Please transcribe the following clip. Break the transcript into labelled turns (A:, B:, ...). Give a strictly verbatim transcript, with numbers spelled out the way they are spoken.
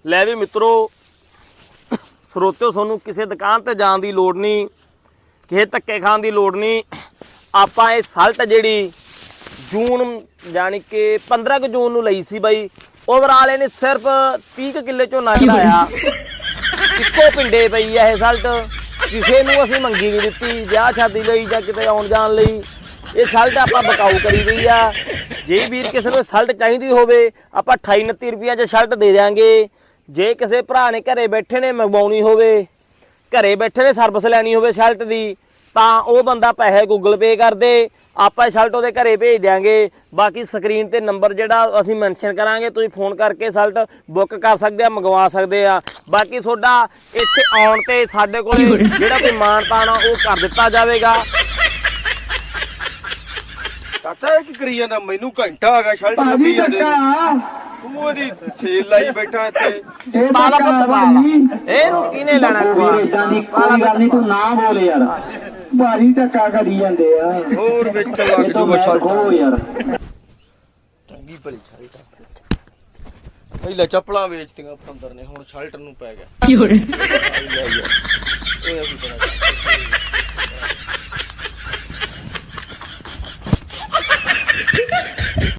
A: ਲੈ ਵੀ ਮਿੱਤਰੋ ਸਰੋਤਿਓ ਤੁਹਾਨੂੰ ਕਿਸੇ ਦੁਕਾਨ ਤੇ ਜਾਣ ਦੀ ਲੋੜ ਨਹੀਂ, ਕਿਸੇ ਧੱਕੇ ਖਾਣ ਦੀ ਲੋੜ ਨਹੀਂ। ਆਪਾਂ ਇਹ ਸਲਟ ਜਿਹੜੀ ਜੂਨ ਜਾਣੀ ਕਿ ਪੰਦਰਾਂ ਕੁ ਜੂਨ ਨੂੰ ਲਈ ਸੀ ਬਾਈ, ਓਵਰਆਲ ਇਹਨੇ ਸਿਰਫ ਤੀਹ ਕੁ ਕਿੱਲੇ ਝੋਨਾ ਕਢਾਇਆ। ਇੱਕੋ ਪਿੰਡੇ ਪਈ ਆ ਇਹ ਸਲਟ, ਕਿਸੇ ਨੂੰ ਅਸੀਂ ਮੰਗੀ ਨਹੀਂ ਦਿੱਤੀ ਵਿਆਹ ਸ਼ਾਦੀ ਲਈ ਜਾਂ ਕਿਤੇ ਆਉਣ ਜਾਣ ਲਈ। ਇਹ ਸਲਟ ਆਪਾਂ ਬਕਾਊ ਕਰੀ ਗਈ ਆ। ਜੇ ਵੀਰ ਕਿਸੇ ਨੂੰ ਸਲਟ ਚਾਹੀਦੀ ਹੋਵੇ ਆਪਾਂ ਅਠਾਈ ਉਨੱਤੀ ਰੁਪਈਆਂ 'ਚ ਸਲਟ ਦੇ ਦਿਆਂਗੇ। ਜੇ ਕਿਸੇ ਭਰਾ ਨੇ ਘਰੇ ਬੈਠੇ ਨੇ ਮੰਗਵਾਉਣੀ ਹੋਵੇ, ਘਰੇ ਬੈਠੇ ਨੇ ਸਰਵਿਸ ਲੈਣੀ ਹੋਵੇ ਸ਼ਰਟ ਦੀ, ਤਾਂ ਉਹ ਬੰਦਾ ਪੈਸੇ ਗੂਗਲ ਪੇ ਕਰ ਦੇ, ਆਪਾਂ ਸ਼ਰਟ ਉਹਦੇ ਘਰੇ ਭੇਜ ਦਿਆਂਗੇ। ਬਾਕੀ ਸਕਰੀਨ ਤੇ ਨੰਬਰ ਜਿਹੜਾ ਅਸੀਂ ਮੈਂਸ਼ਨ ਕਰਾਂਗੇ, ਤੁਸੀਂ ਫੋਨ ਕਰਕੇ ਸ਼ਰਟ ਬੁੱਕ ਕਰ ਸਕਦੇ ਆ, ਮੰਗਵਾ ਸਕਦੇ ਆ। ਬਾਕੀ ਤੁਹਾਡਾ ਇੱਥੇ ਆਉਣ ਤੇ ਸਾਡੇ ਕੋਲ ਜਿਹੜਾ ਕੋਈ ਮਾਣ ਤਾਣ ਆ ਉਹ ਕਰ ਦਿੱਤਾ ਜਾਵੇਗਾ।
B: ਚਾਚਾ ਇਹ ਕੀ ਕਰੀ ਜਾਂਦਾ? ਮੈਨੂੰ ਘੰਟਾ ਆ ਗਿਆ ਸ਼ਰਟ ਲੱਭੀ ਜਾਂਦੇ ਤੂੰ ਉਹਦੀ ਸੇਲ ਲਾਈ ਬੈਠਾ ਇੱਥੇ।
A: ਪਾਲਾ ਪੁੱਤ ਪਾਲਾ, ਇਹਨੂੰ ਕਿਹਨੇ ਲੈਣਾ?
C: ਕੋਈ ਗੱਲ ਨਹੀਂ, ਤੂੰ ਨਾ ਬੋਲ ਯਾਰ, ਭਾਰੀ ਧੱਕਾ ਕਰੀ ਜਾਂਦੇ ਆ।
B: ਹੋਰ ਵਿੱਚ ਲੱਗ ਜੂਗਾ ਸ਼ਰਟ
C: ਯਾਰ,
B: ਚੰਗੀ ਭਲੀ ਸ਼ਰਟ ਪਹਿਲਾਂ ਚੱਪਲਾਂ ਵੇਚਤੀਆਂ ਪਤੰਦਰ ਨੇ, ਹੁਣ ਸ਼ਰਟ ਨੂੰ ਪੈ ਗਿਆ। ਕੀ ਹੋ ਰਿਹਾ?